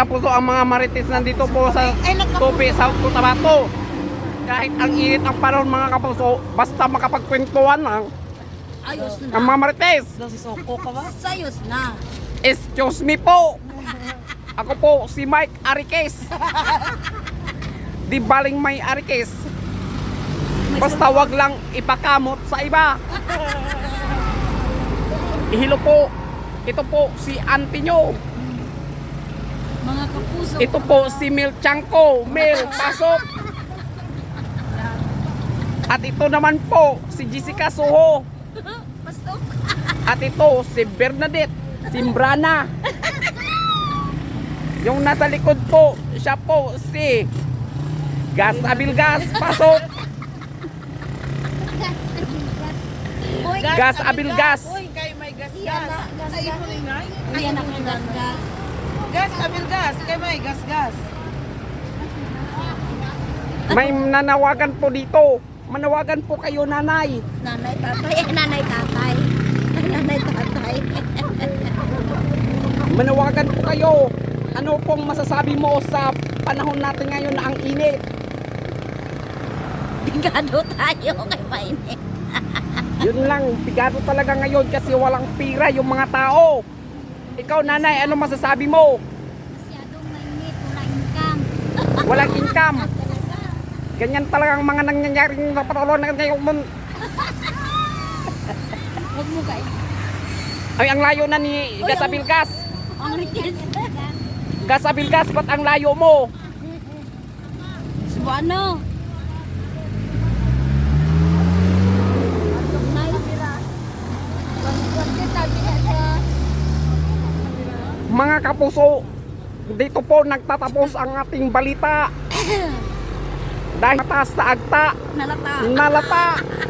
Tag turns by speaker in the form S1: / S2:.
S1: kapuso, ang mga marites nandito po sa Tupi, South Cotabato. Kahit ang init ang panahon mga kapuso, basta makapagkwentuhan lang
S2: Ayos
S1: ang
S2: na.
S1: mga marites.
S2: Sayos na.
S1: Excuse me po. Ako po si Mike Arikes. Di baling may Arikes. Basta wag lang ipakamot sa iba. Ihilo po. Ito po si auntie nyo.
S2: Mga kapuso.
S1: Ito po si Mil Chanko. Mil, pasok. At ito naman po si Jessica Soho.
S2: Pasok.
S1: At ito si Bernadette Simbrana. Yung nasa likod po, siya po si Gas Abilgas. Pasok. Gas Abilgas.
S3: Uy, kay may gas.
S2: Iyan na, gas.
S3: Ay, imo rin ay.
S2: Iyan na kung gas.
S3: Gas, abilgas. Kay may gas.
S1: May nanawagan po dito. Manawagan po kayo, nanay.
S2: Nanay, tatay. Nanay, tatay. Nanay, tatay.
S1: Manawagan po kayo. Ano pong masasabi mo sa panahon natin ngayon na ang init?
S2: Bigado tayo kay mainit.
S1: Yun lang, bigado talaga ngayon kasi walang pira yung mga tao. Ikaw, nanay, ano masasabi mo?
S2: Masyadong mainit. Wala income.
S1: Walang income. Ganyan talaga ang mga nangyayaring sa patuloy na ngayon.
S2: Huwag mo kayo.
S1: Ay, ang layo na ni Gas Abilgas.
S2: Ang request.
S1: Gas Abilgas, ba't ang layo mo?
S2: Subano.
S1: Mga kapuso, dito po nagtatapos ang ating balita. Dahil mataas sa agta,
S2: Nalata.
S1: nalata.